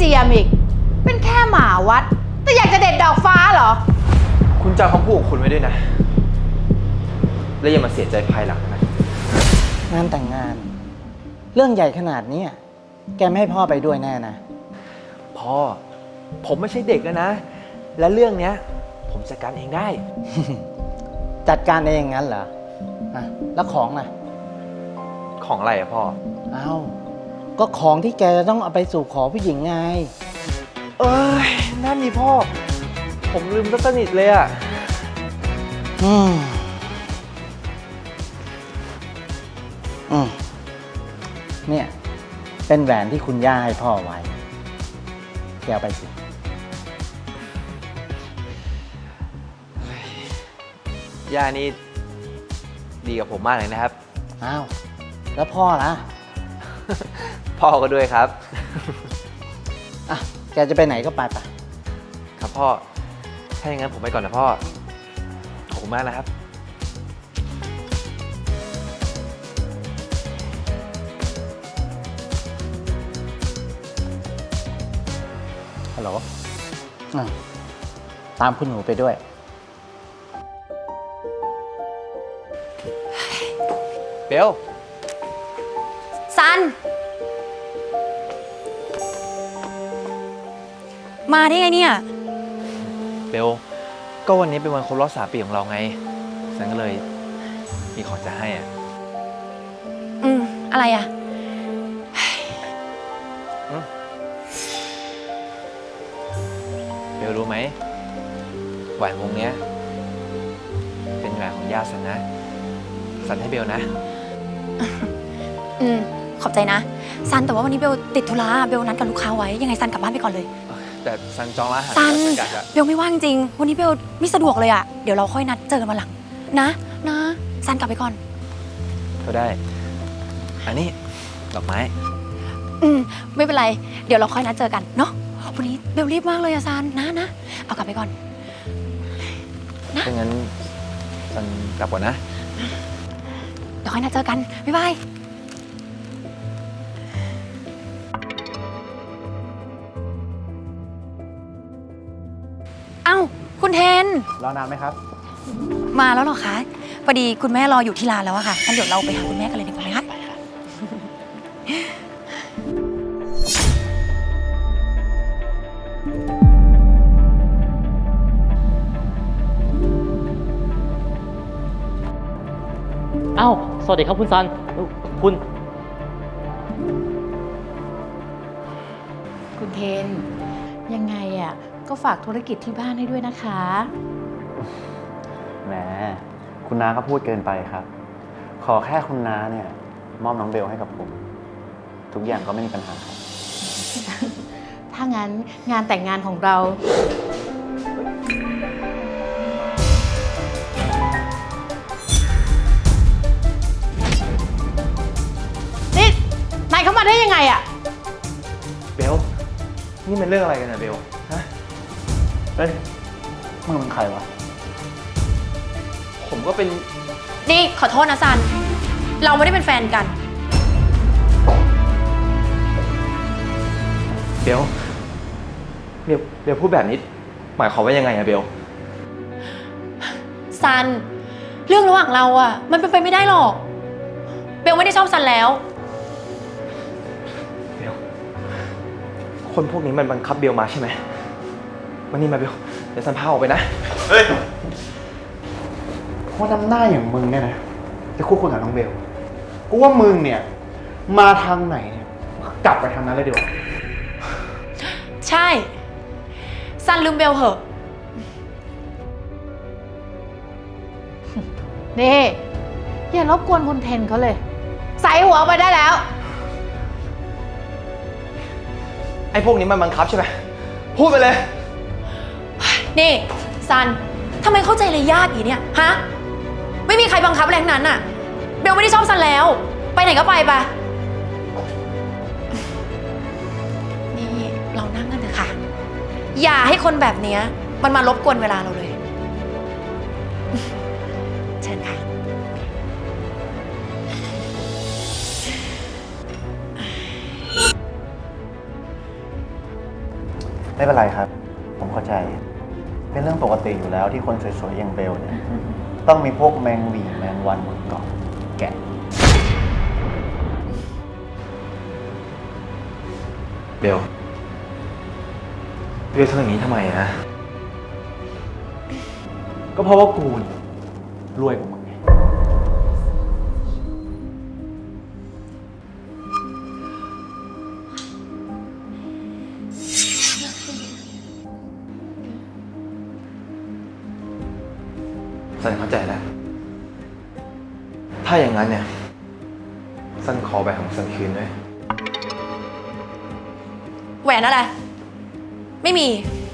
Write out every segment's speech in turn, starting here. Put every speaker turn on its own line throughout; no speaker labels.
จียมอีกเป็นแค่หมาวัดแต่อยากจะเด็ดดอกฟ้าเหรอ
คุณจำคำพูดของคุณไว้ด้วยนะแล้วอย่ามาเสียใจภายหลังนะ
งานแต่งงานเรื่องใหญ่ขนาดนี้แกไม่ให้พ่อไปด้วยแน่นะ
พ่อผมไม่ใช่เด็กแล้วนะและเรื่องเนี้ยผมจัดการเองได้
จัดการเองงั้นเหรอแล้วของล่ะ
ของอะไรอะพ่อ
ก็ของที่แกจะต้องเอาไปสู่ขอผู้หญิงไง
เอ้ยนั่นนี่พ่อผมลืมซะสนิทเลยอะ
เนี่ยเป็นแหวนที่คุณย่าให้พ่อไว้แกเอาไปสิ
ย่านี่ดีกับผมมากเลยนะครับ
แล้วพ่อล่ะ
พ่อก็ด้วยครับ
แกจะไปไหนก็ไป
ครับพ่อถ้าอย่างนั้นผมไปก่อนนะพ่อขอบคุณมากนะครับ
ฮัลโหลตามคุณหนูไปด้วย
เบล
ซันมาได้ไงเนี่ย
เบลก็วันนี้เป็นวันครบรอบ3 ปีของเราไงฉันก็เลยมีของจะให้อ่ะ
อะไรอ่ะ
เบลรู้ไหมแหวนวงเนี้ยเป็นแหวนของย่าฉันนะฉันให้เบลนะ
ขอบใจนะซันแต่ว่าวันนี้เบลติดธุระเบลนัดกับลูกค้าไว้ยังไงซันกลับบ้านไปก่อนเลย
แต่ซันจองร้านอาหาร
ซันเบลไม่ว่างจริงวันนี้เบลไม่สะดวกเลยอ่ะเดี๋ยวเราค่อยนัดเจอกันวันหลังนะซันกลับไปก่อน
ก็ได้อันนี้ดอกไม้
ไม่เป็นไรเดี๋ยวเราค่อยนัดเจอกันเนาะวันนี้เบลรีบมากเลยอะซันนะเอากลับไปก่อน
นะงั้นซันกลับก่อนนะ
เดี๋ยวค่อยนัดเจอกันบ๊ายบายคุณเทน
รอนานไหมครับ
มาแล้วเหรอคะพอดีคุณแม่รออยู่ที่ร้านแล้วอะค่ะงั้นเดี๋ยวเราไปหาคุณแม่กันเลยดีกว่าไหมคะ
สวัสดีครับคุณซัน
คุณเทนยังไงอ่ะก็ฝากธุรกิจที่บ้านให้ด้วยนะคะ
แหมคุณน้าก็พูดเกินไปครับขอแค่คุณน้าเนี่ยมอบน้องเบลให้กับผมทุกอย่างก็ไม่มีปัญหาครับ
ถ้างั้นงานแต่งงานของเรานี่นายเข้ามาได้ยังไงอะ
เบลนี่มันเรื่องอะไรกันนะเบลฮะ
มึงเป็นใครวะ
ผมก็เป็น
นี่ขอโทษนะซันเราไม่ได้เป็นแฟนกัน
เบลพูดแบบนี้หมายความว่ายังไงอะเบล
ซันเรื่องระหว่างเราอะมันเป็นไปไม่ได้หรอกเบลไม่ได้ชอบซันแล้ว
เบลคนพวกนี้มันบังคับเบลมาใช่ไหมวันนี้มาเบลเดี๋ยวซันพาออกไปนะเฮ้ย
ว่าน้ำหน้าอย่างมึงเนี่ยนะจะคู่ควรกับน้องเบลกูว่ามึงเนี่ยมาทางไหนเนี่ยกลับไปทางนั้นเลยดีกว่า
ใช่ซันลืมเบลเหอะ
นี่อย่ารบกวนคุณเทนเขาเลยใส่หัวไปได้แล้ว
ไอ้พวกนี้มันบังคับใช่ไหมพูดไปเลย
นี่ซันทำไมเข้าใจเลยยากอีเนี่ยฮะไม่มีใครบังคับอะไรทั้งนั้นน่ะเบลไม่ได้ชอบซันแล้วไปไหนก็ไปปะนี่เรานั่งกันเถอะค่ะอย่าให้คนแบบนี้มันมารบกวนเวลาเราเลยเชิญค่ะ
น
ไม่เป็นไรครับ ผมเข้าใจ เป็นเรื่องปกติอยู่แล้วที่คนสวยๆอย่างเบลเนี่ย ต้องมีพวกแมงหวีแมงวันบนเกาะแกะ
เบลทำอย่างนี้ทำไมนะ
ก็เพราะว่ากูเนี่ยรวยกว่ามึงไง
สันเข้าใจแล้ว ถ้าอย่างนั้นเนี่ย สันขอแหวนของสันคืนด้วย
แหวนอะไร ไม่มี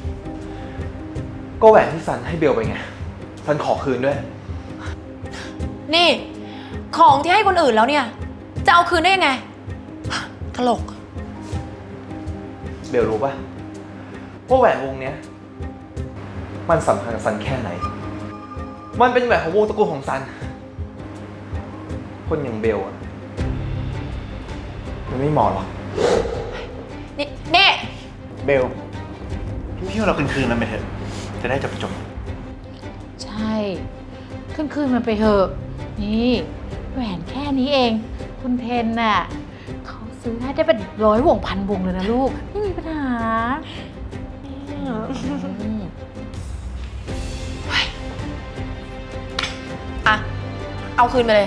ก็แหวนที่สันให้เบลไปไง สันขอคืนด้วย
นี่ ของที่ให้คนอื่นแล้วเนี่ย จะเอาคืนได้ยังไง ตลก
เบลรู้ปะว่าแหวนวงเนี้ย มันสำคัญกับสันแค่ไหน มันเป็นแหวนของวงตระกูลของสัน คนอย่างเบลอะมันไม่เหมาะหรอก
นี่
เบล พี่ว่าเราคืนๆมันไปเถอะ จะได้จบ
ใช่ คืนมันไปเถอะ นี่แหวนแค่นี้เอง คุณเทนน่ะเขาซื้อให้ได้เป็น100 วงพันวงเลยนะลูก ไม่มีปัญหาอืม
อ่ะ เอาคืนไปเลย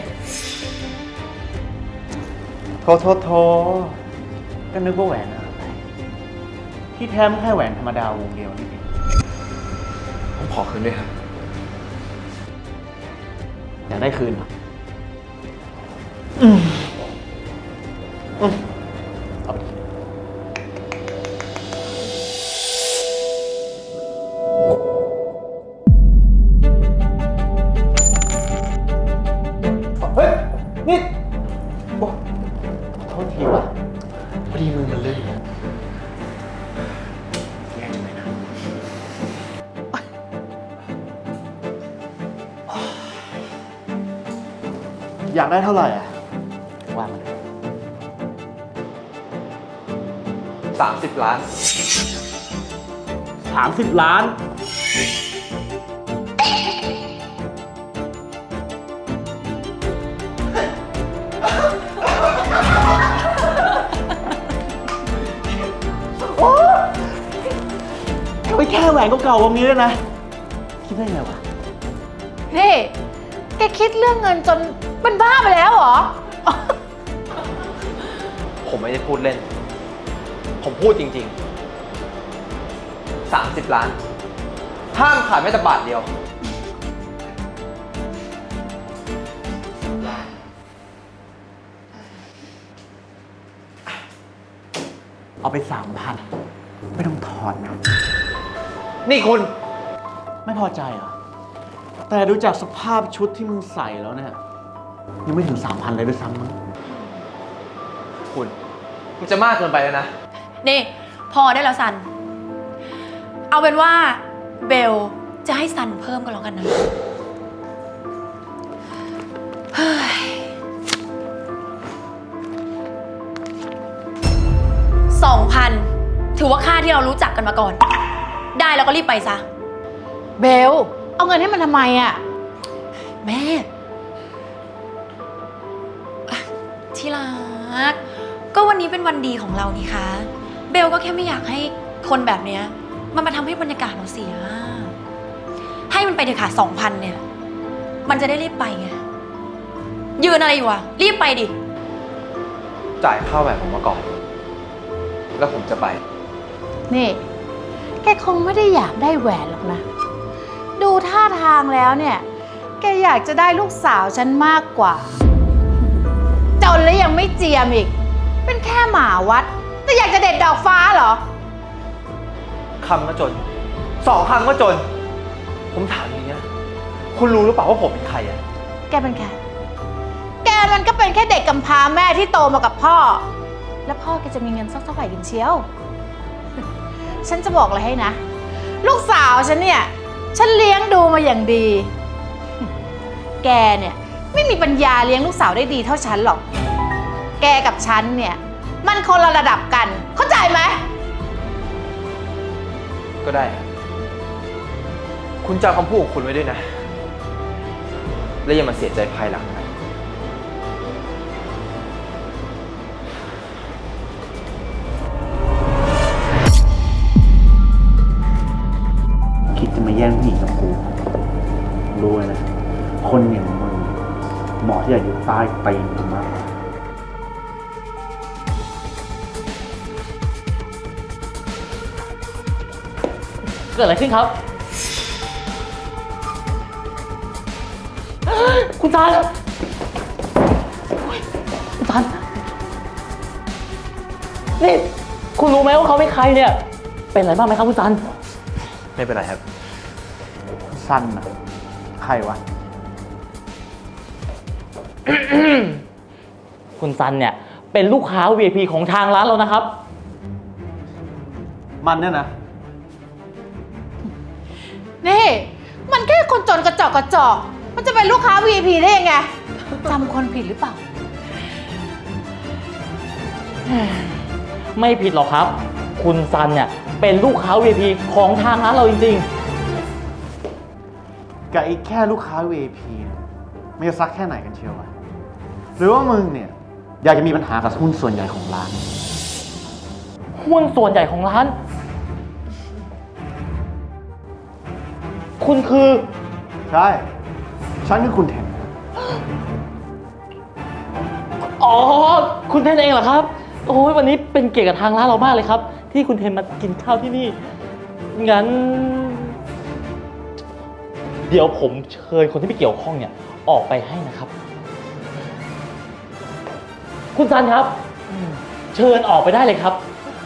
ๆโทก็นึกว่าแหวนอะไรที่แท้ไม่แค่แหวนธรรมดาวงเดียวนี่เอง
ผมขอคืนด้วยครับ
อยากได้คืนเหรอเอาไปดิ
เฮ้ย นี่โอ้
โทษทีว่ะ
พอดีมือมันลื่น
แย่จังเลยนะ อยากได้เท่าไหร่อ่ะ ว่ามาเลย
30 ล้าน
30 ล้าน โอ้ไม่แค่แหวนเก่าๆวงนี้เลยนะ คิดได้ไงวะ
นี่ แกคิดเรื่องเงินจนเป็นบ้าไปแล้วเหรอ
ผมไม่ได้พูดเล่น ผมพูดจริงๆ 30 ล้าน ห้ามขายแม้แต่บาทเดียว
เอาไป 3,000 ไม่ต้องถอนนะ
นี่คุณ
ไม่พอใจเหรอ แต่ดูจากสภาพชุดที่มึงใส่แล้วเนี่ย ยังไม่ถึง 3,000 เลยด้วยซ้ำมั้ง
คุณมันจะมากเกินไปแล้วนะ
นี่ พอได้แล้วซัน เอาเป็นว่าเบลจะให้ซันเพิ่มก็แล้วกันนะ เฮ้ย 2,000 ถือว่าค่าที่เรารู้จักกันมาก่อน ได้แล้วก็รีบไปซะ
เบล เอาเงินให้มันทำไมอ่ะ
แม่อ่ะที่รัก ก็วันนี้เป็นวันดีของเรานี่คะ เบลก็แค่ไม่อยากให้คนแบบเนี้ยมันมาทำให้บรรยากาศเราเสีย ให้มันไปเถอะค่ะ 2,000 เนี่ย มันจะได้รีบไปไง ยืนอะไรอยู่อะรีบไปดิ
จ่ายค่าแหวนผมมาก่อน แล้วผมจะไป
นี่ แกคงไม่ได้อยากได้แหวนหรอกนะ ดูท่าทางแล้วเนี่ย แกอยากจะได้ลูกสาวฉันมากกว่า จนแล้วยังไม่เจียมอีก เป็นแค่หมาวัด แต่อยากจะเด็ดดอกฟ้าเหรอ
คำก็จน 2 คำก็จน ผมถามอย่างนี้นะ คุณรู้หรือเปล่าว่าผมเป็นใครอะ
แกเป็นใคร แกมันก็เป็นแค่เด็กกำพร้าแม่ที่โตมากับพ่อ แล้วพ่อแกจะมีเงินสักเท่าไหร่กันเชียว ฉันจะบอกอะไรให้นะ ลูกสาวฉันเนี่ย ฉันเลี้ยงดูมาอย่างดี แกเนี่ยไม่มีปัญญาเลี้ยงลูกสาวได้ดีเท่าฉันหรอก แกกับฉันเนี่ย มันคนละระดับกัน เข้าใจไหม
ก็ได้ คุณจำคำพูดของคุณไว้ด้วยนะ และอย่ามาเสียใจภายหลังนะ
คิดจะมาแย่งผู้หญิงกับกู รู้ไว้นะ คนอย่างมึงเหมาะที่จะอยู่ใต้ตีนกูมากกว่า
เกิดอะไรขึ้นครับ คุณซันคุณซันนี่คุณรู้ไหมว่าเขาเป็นใครเนี่ย เป็นอะไรบ้างไหมครับคุณซัน
ไม่เป็นไรครับ
สั้นนะใครวะ
คุณซันเนี่ยเป็นลูกค้า VIP ของทางร้านเรานะครับ
มันเนี่ยนะ
นี่ มันแค่คนจนกระจอกกระจอก มันจะเป็นลูกค้า VIP ได้ยังไงจำคนผิดหรือเปล่า
ไม่ผิดหรอกครับ คุณซันเนี่ยเป็นลูกค้า VIP ของทางร้านเราจริง
กับไอ้แค่ลูกค้า VIP เนี่ยมันจะซักแค่ไหนกันเชียววะหรือว่ามึงเนี่ย อยากจะมีปัญหากับหุ้นส่วนใหญ่ของร้าน
ๆ หุ้นส่วนใหญ่ของร้าน คุณคือ
ใช่ ฉันคือคุณแทน
อ๋อ คุณเทนเองเหรอครับ โอ้ยวันนี้เป็นเกียรติกับทางร้านเรามากเลยครับ ที่คุณเทนมากินข้าวที่นี่ งั้น เดี๋ยวผมเชิญคนที่ไม่เกี่ยวข้องเนี่ย ออกไปให้นะครับ คุณซันครับ เชิญออกไปได้เลยครับ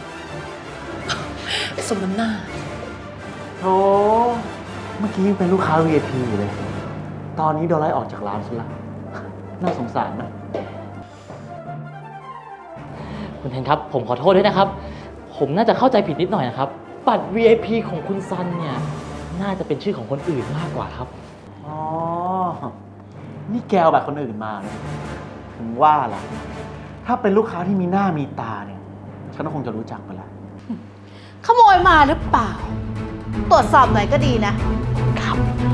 สมน้ำหน้า
โอ้เมื่อกี้ยังเป็นลูกค้า VIP อยู่เลย ตอนนี้โดนไล่ออกจากร้านซะละ น่าสงสารนะ
คุณเทนครับ ผมขอโทษด้วยนะครับ ผมน่าจะเข้าใจผิดนิดหน่อยนะครับ บัตร VIP ของคุณซันเนี่ย น่าจะเป็นชื่อของคนอื่นมากกว่าครับ
อ๋อ นี่แกเอาแบบคนอื่นมาเลยถึงว่าล่ะ ถ้าเป็นลูกค้าที่มีหน้ามีตาเนี่ย ฉันก็คงจะรู้จักไปแล้ว
ขโมยมาหรือเปล่า ตรวจสอบหน่อยก็ดีนะ ครับ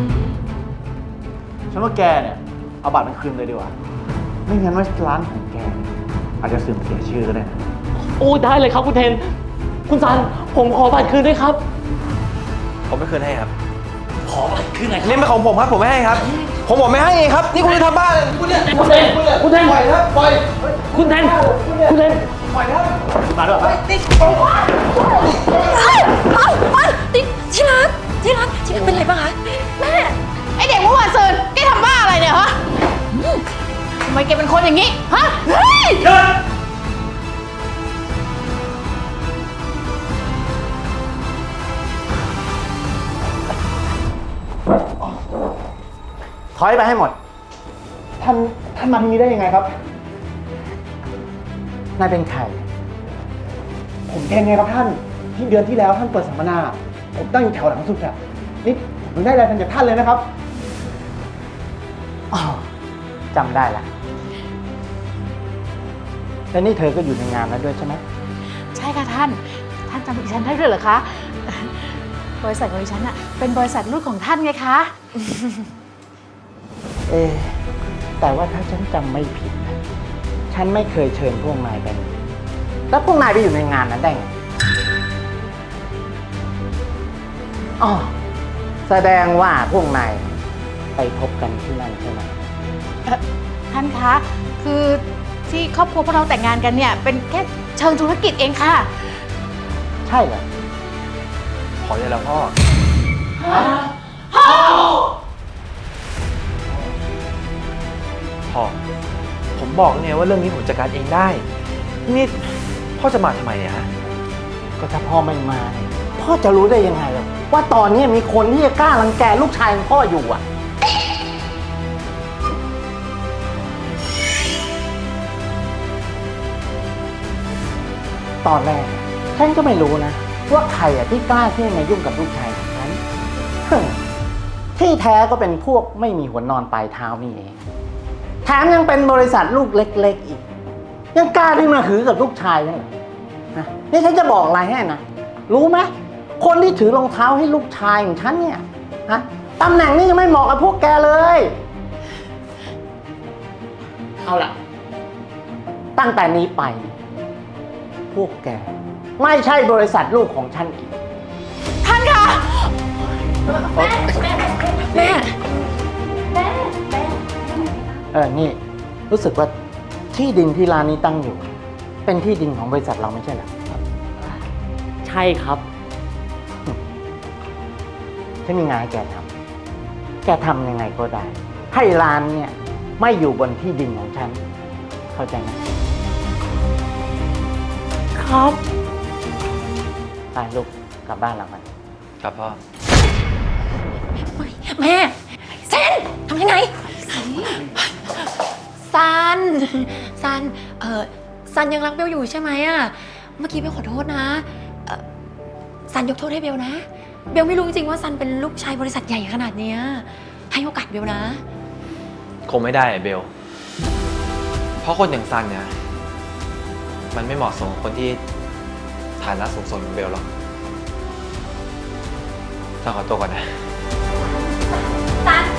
ฉันว่าแกเนี่ย เอาบัตรมันคืนเลยดีกว่า ไม่งั้นว่าร้านของแกเนี่ยอาจจะเสื่อมเสียชื่อก็ได้นะ
โอ้ได้เลยครับคุณเทน คุณซัน ผมขอบัตรคืนด้วยครับ
ผมไม่คืนให้ครับ
ขอบัตรคืนหน่อยครับ
นี่เป็นของผมครับ ผมไม่ให้ครับ ผมบอกไม่ให้เองครับ นี่คุณจะทำบ้าเลยคุณเนี่ย
คุณเทนคุณเทน
ปล่อยครับปล่อย
คุณเทนคุณเทน
ปล่อยครับ
มาด้วยครับ
ที่รักเป็นไรบ้างคะ
แม่ ไอเด็กเมื่อวานซืนแกทำบ้าอะไรเนี่ยฮะทำไมแกเป็นคนอย่างนี้ ฮะ เฮ้ย
ถอยไปให้หมด ท่านมาที่นี้ได้ยังไงครับ นายเป็นใคร ผมเทนไงครับท่าน ที่เดือนที่แล้วท่านเปิดสัมมนา ผมตั้งอยู่แถวหลังสุดอะนี่ผมได้รายงานจากท่านเลยนะครับ อ๋อจำได้ละ แล้วนี่เธอก็อยู่ในงานแล้วด้วยใช่ไหม
ใช่ค่ะท่าน ท่านจำดิฉันได้ด้วยเหรอคะ บริษัทของดิฉันอะเป็นบริษัทลูกของท่านไงคะ
แต่ว่าถ้าฉันจำไม่ผิดนะฉันไม่เคยเชิญพวกนายไปเลยแล้วพวกนายไปอยู่ในงานนั้นได้ไงอ๋อแสดงว่าพวกนายไปพบกันที่นั่นใช่ไหม
ท่านคะ คือที่ครอบครัวพวกเราแต่งงานกันเนี่ย เป็นแค่เชิงธุรกิจเองค่ะ
ใช่เหรอ
พอได้แล้วพ่อ พ่อ ผมบอกแล้วไงว่าเรื่องนี้ผมจัดการเองได้ นี่พ่อจะมาทำไมเนี่ยฮะ
ก็ถ้าพ่อไม่มาเนี่ยพ่อจะรู้ได้ยังไงล่ะว่าตอนนี้มีคนที่จะกล้ารังแกลูกชายของพ่ออยู่อ่ะ ตอนแรกฉันก็ไม่รู้นะ ว่าใครอ่ะที่กล้าที่จะมายุ่งกับลูกชายของฉัน ที่แท้ก็เป็นพวกไม่มีหัวนอนปลายเท้านี่เองแถมยังเป็นบริษัทลูกเล็กๆอีก ยังกล้าที่มาหือกับลูกชายได้เหรอนะนี่ฉันจะบอกอะไรให้นะ รู้ไหมคนที่ถือรองเท้าให้ลูกชายของฉันเนี่ยฮะตำแหน่งนี้ยังไม่เหมาะกับพวกแกเลย เอาล่ะ ตั้งแต่นี้ไป พวกแก ไม่ใช่บริษัทลูกของฉันอีก
ท่านคะ
แม่
นี่ รู้สึกว่าที่ดินที่ร้านนี้ตั้งอยู่ เป็นที่ดินของบริษัทเราไม่ใช่เหรอ
ใช่ครับ
ฉันมีงานให้แกทำ แกทำยังไงก็ได้ ให้ร้านเนี่ย ไม่อยู่บนที่ดินของฉัน เข้าใจไหม
ครับ
ไปลูกกลับบ้านเรากัน
ครับพ่อ
แม่เซนทำยังไงซันซันยังรักเบลอยู่ใช่ไหมอะเมื่อกี้เบลขอโทษนะซันยกโทษให้เบลนะ เบลไม่รู้จริงๆว่าซันเป็นลูกชายบริษัทใหญ่ขนาดเนี้ยให้โอกาสเบลนะ
คงไม่ได้เบล เพราะคนอย่างซันเนี่ย มันไม่เหมาะสมกับคนที่ฐานะสูงส่งอย่างเบลหรอกซันขอตัวก่อนนะ
ซัน